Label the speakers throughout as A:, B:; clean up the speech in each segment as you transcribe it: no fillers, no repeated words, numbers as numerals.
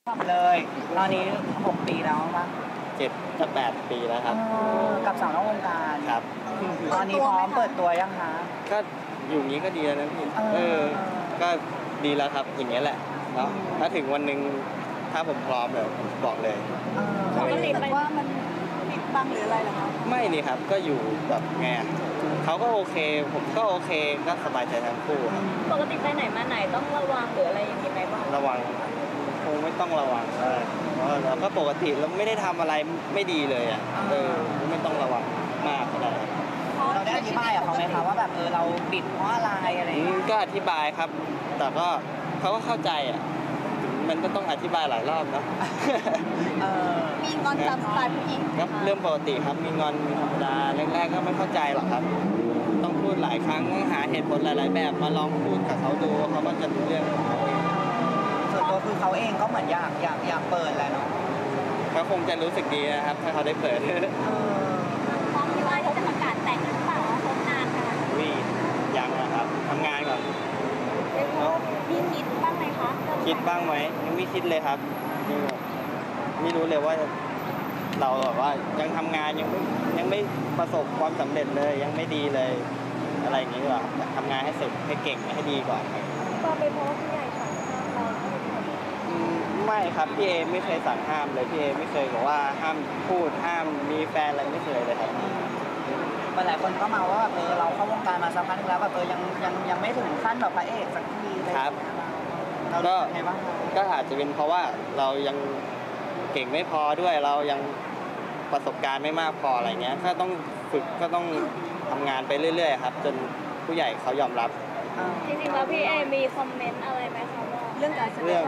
A: เลยตอนนี้6 ปีแล้วป่ะ
B: 7 กับ 8 ปีแล้วครับ
A: กับสาวนอกวงการ
B: ครับ
A: ตอนนี้พร้อมเปิดตัวยังคะ
B: ก็อยู่นี้ก็ดีแล้วนะพี่ก็ดีแล้วครับอย่างเงี้ยแหละเนาะถ้าถึงวันหนึ่งถ้าผมพร้อมเลยบอกเลย
C: เขาไม่ติดว่ามันปิดบังหรืออะไรหรอคะ
B: ไม่นี่ครับก็อยู่แบบไงเขาก็โอเคผมก็โอเคก็สบายใจทั้งคู่ครับ
C: ปกติไปไหนมาไหนต้องระวังหรืออะไรอย่างนี้ไหมบ้าง
B: ระวังคงไม่ต้องระวังเพราะเราก็ปกติเราไม่ได้ทำอะไรไม่ดีเลยอ่ะไม่ต้องระวังมากก็ได้
A: เราได้อธิบายกับเขาไหมคะว่าแบบเราปิดเพราะอะไรอะไร
B: ก็อธิบายครับแต่ก็เขาก็เข้าใจอ่ะมันก็ต้องอธิบายหลายรอบเนาะ
C: มีงอนตามสไตล์ผู้หญิง
B: ก็เรื่องปกติครับมีงอนมีธรรมดาแรกๆก็ไม่เข้าใจหรอกครับต้องพูดหลายครั้งต้องหาเหตุผลหลายๆแบบมาลองพูดกับเขาดูเขาก็จะรู้เรื่องของเขาเอง
A: ส่วนตัวคือเขาเองก็เหมือนอยากเปิดแหละเนาะ
B: เขาคงจะรู้สึกดีนะครับถ้าเขาได้เปิด
C: พร้อมที่ว่าจะประกาศแต่งหรือเปล่าคบนานขนาด
B: นี้ยังนะครับทำงานก่อน
C: มีคิดบ้างไหมคะ
B: คิดบ้างไหมยังไม่คิดเลยครับไม่รู้เลยว่าเราแบบว่ายังทำงานยังไม่ประสบความสำเร็จเลยยังไม่ดีเลยอะไรอย่างนี้ดีกว่าทำงานให้เสร็จให้เก่งให้ดีก่อน
C: ก็ไปเพราะผู้ใหญ่สั่งห้ามเรา
B: ไม่ครับพี่เอไม่เคยสั่งห้ามเลยพี่เอไม่เคยบอกว่าห้ามพูดห้ามมีแฟนอะไรไม่เคยเลยครับ
A: หลายคนก็มาว่าเราเข้าวงการมาสักพักนึงแล้วแบบยังไม่ถึงขั้นแบบพระเอกสักทีเลย
B: ครับก็อาจจะเป็นเพราะว่าเรายังเก่งไม่พอด้วยเรายังประสบการณ์ไม่มากพออะไรเงี้ยก็ต้องฝึกก็ต้องทำงานไปเรื่อยๆครับจนผู้ใหญ่เขายอมรับ
C: จริงๆแล้วพี่เอมีคอมเมนต์อะไรไหมคะว่าเรื่องการแสดง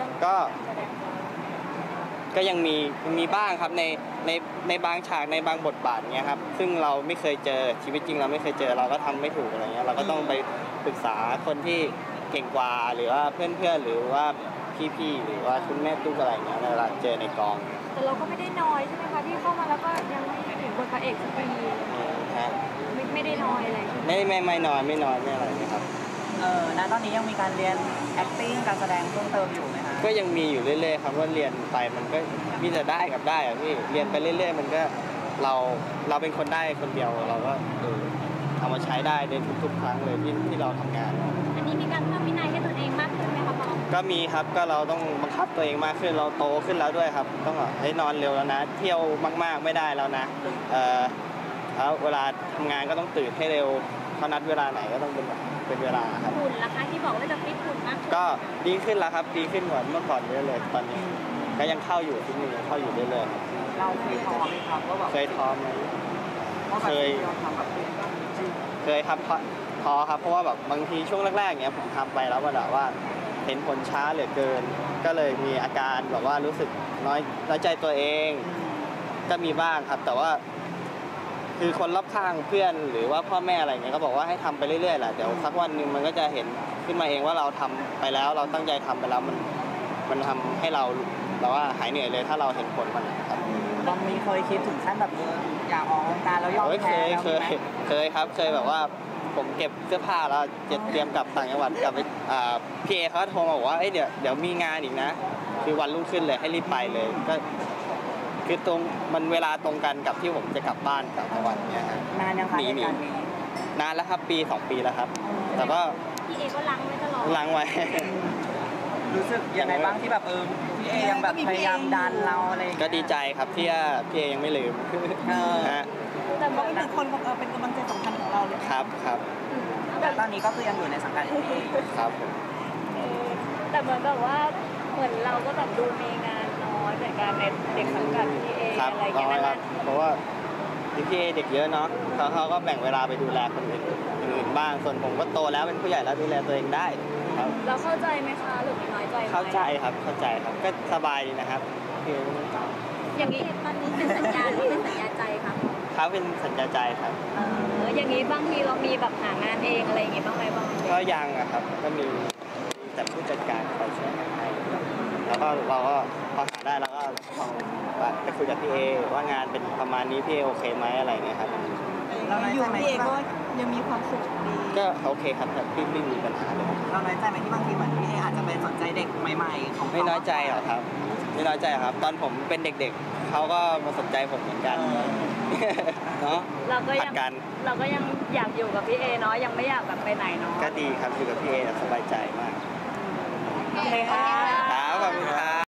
B: ก็ยังมีบ้างครับในบางฉากในบางบทบาทเงี้ยครับซึ่งเราไม่เคยเจอชีวิตจริงเราไม่เคยเจอเราก็ทำไม่ถูกอะไรเงี้ยเราก็ต้องไปปรึกษาคนที่เก่งกว่าหรือว่าเพื่อนๆหรือว่าพี่ๆหรือว่าคุณแม่ตุ๊กอะไรเงี้ยเวลาเจอในกอง
C: แต่เราก็ไม่ได้น้อยใช่ไหมคะที่เข้ามาแล้วก็ยังไม่ถึงบทพระเอกสักทีไม่ได้น้อยอะไร
B: ไม่น้อยไม่อะไรนะครับ
A: ณตอนนี้ยังมีการเรียน acting การแสดงเพิ่มเติมอยู่ไหมคะ
B: ก็ยังมีอยู่เรื่อยๆครับว่าเรียนไปมันก็มีแต่ได้กับได้อะพี่เรียนไปเรื่อยๆมันก็เราเป็นคนได้คนเดียวเราก็เอามาใช้ได้ในทุกๆครั้งเลยที่เราทำงาน
C: อันนี้มีการเพิ่มวินัยให้ตัวเองมากขึ้นไหมคะพ่อ
B: ก็มีครับก็เราต้องบังคับตัวเองมากขึ้นเราโตขึ้นแล้วด้วยครับต้องให้นอนเร็วแล้วนะเที่ยวมากๆไม่ได้แล้วนะแล้วเวลาทำงานก็ต้องตื่นให้เร็วเขานัดเวลาไหนก็ต้องเป็นเวลาครับ
C: หุ่นราคาที่บอกว่าจะฟิตหุ่นมาก
B: ก็ดีขึ้นแล้วครับดีขึ้นกว่าเมื่อก่อนเยอะเลยตอนนี้ก็ยังเข้าอยู่ที่นี่ยังเข้าอยู่เรื่อย
A: ๆเราเคยท้อไหมครับว่าแบบ
B: เคยท้อไหมเคยครับท้อครับเพราะว่าแบบบางทีช่วงแรกๆเนี้ยผมทำไปแล้วแบบว่าเห็นผลช้าเหลือเกินก็เลยมีอาการแบบว่ารู้สึกน้อยใจตัวเองก็มีบ้างครับแต่ว่าคือคนรอบข้างเพื่อนหรือว่าพ่อแม่อะไรเงี้ยก็บอกว่าให้ทำไปเรื่อยๆแหละเดี๋ยวสักวันหนึ่งมันก็จะเห็นขึ้นมาเองว่าเราทำไปแล้วเราตั้งใจทำไปแล้วมันทำให้เราว่าหายเหนื่อยเลยถ้าเราเห็นผลมันครับ
A: บางมีเคยคิดถึงขั้นแบบอยากออกวงการแล้วยอมแพ้
B: เคยครับเคยแบบว่าผมเก็บเสื้อผ้าแล้วเตรียมกลับต่างจังหวัดกลับไปพี่เอเขาโทรมาบอกว่าเดี๋ยวมีงานอีกนะคือวันรุ่งขึ้นเลยให้รีบไปเลยก็คือตรงมันเวลาตรงกันกับที่ผมจะกลับบ้านต่างจังหวัดเนี่ยฮะ
A: นานยังคะ
B: นานแล้วครับปี2 ปีแล้วครับแต่ก็
C: พี่เอก็ล้างไว้ตลอด
B: ล้างไว้
A: รู้สึกยังไงบ้างที่แบบพี่เอยังแบบพยายามดันเราอะไร
B: ก็ดีใจครับที่พี่เอยังไม่ลืม
C: นะแต่เขาเป็นคนเป็นกำลังใจสำคัญของเราเลย
B: ครับ
A: แต่ตอนนี้ก็คือยังอยู่ในสังกัด
B: ครับ
C: แต่เหมือนแบบว่าเหมือนเราก็แบบดูมีงานน้อยจากการในเด็กสังกัดพี่เออะไรอย่างเงี้ย
B: เพราะว่าพี่เอเด็กเยอะเนาะเขาก็แบ่งเวลาไปดูแลคนอื่นบ้างส่วนผมก็โตแล้วเป็นผู้ใหญ่แล้วดูแลตัวเองได้ครับ
C: เราเข้าใจไหมคะหรือน้อยใจ
B: เข้าใจครับก็สบายดีนะครับ
C: อย่างนี้ตอนนี้เป็นสัญญาหรือเป็นสัญญาใจครับ
B: เขาเป็นสัญญาใจครับ
C: อย่างนี้บางทีเรามีแบบหางานเองอะไรอย่างเงี้ยบ้างไหมบ้าง
B: ก็ยังอะครับก็มีแต่ผู้จัดการคอยช่วยให้แล้วก็เราก็พอหาได้แล้วก็ลองไปคุยกับพี่เอว่างานเป็นประมาณนี้พี่เอโอเคไหมอะไรเงี้ยครับ
A: เราน้อย
D: อ
A: ใจ
D: ยู่
A: ไหม
D: พี่เอ
A: ที่
D: ก็ยังมีความสุขดี
B: ก็โอเคครับแต่พี่ไม่มีปัญหาเลยครับ
A: เราน้อยใจไหมที่บางทีเหมือนพี่เออาจจะไปสนใจเด็กใหม่ๆของเขา
B: ไม่น้อยใจหรอกครับ ไม่น้อยใจหรอกครับ ตอนผมเป็นเด็กๆเขาก็มาสนใจผมเหมือนกันเนาะ
C: เราก็
B: ผั
C: ยั
B: ด
C: ง
B: กัน
C: เราก็ยังอยากอยู่กับพี่เอเนาะยังไม่อยากแบบไปไหนเนาะ
B: ก็ดีครับอยู่กับพี่เอสบายใจมาก
C: โอเคค่ะ
B: ครับขอบคุณครับ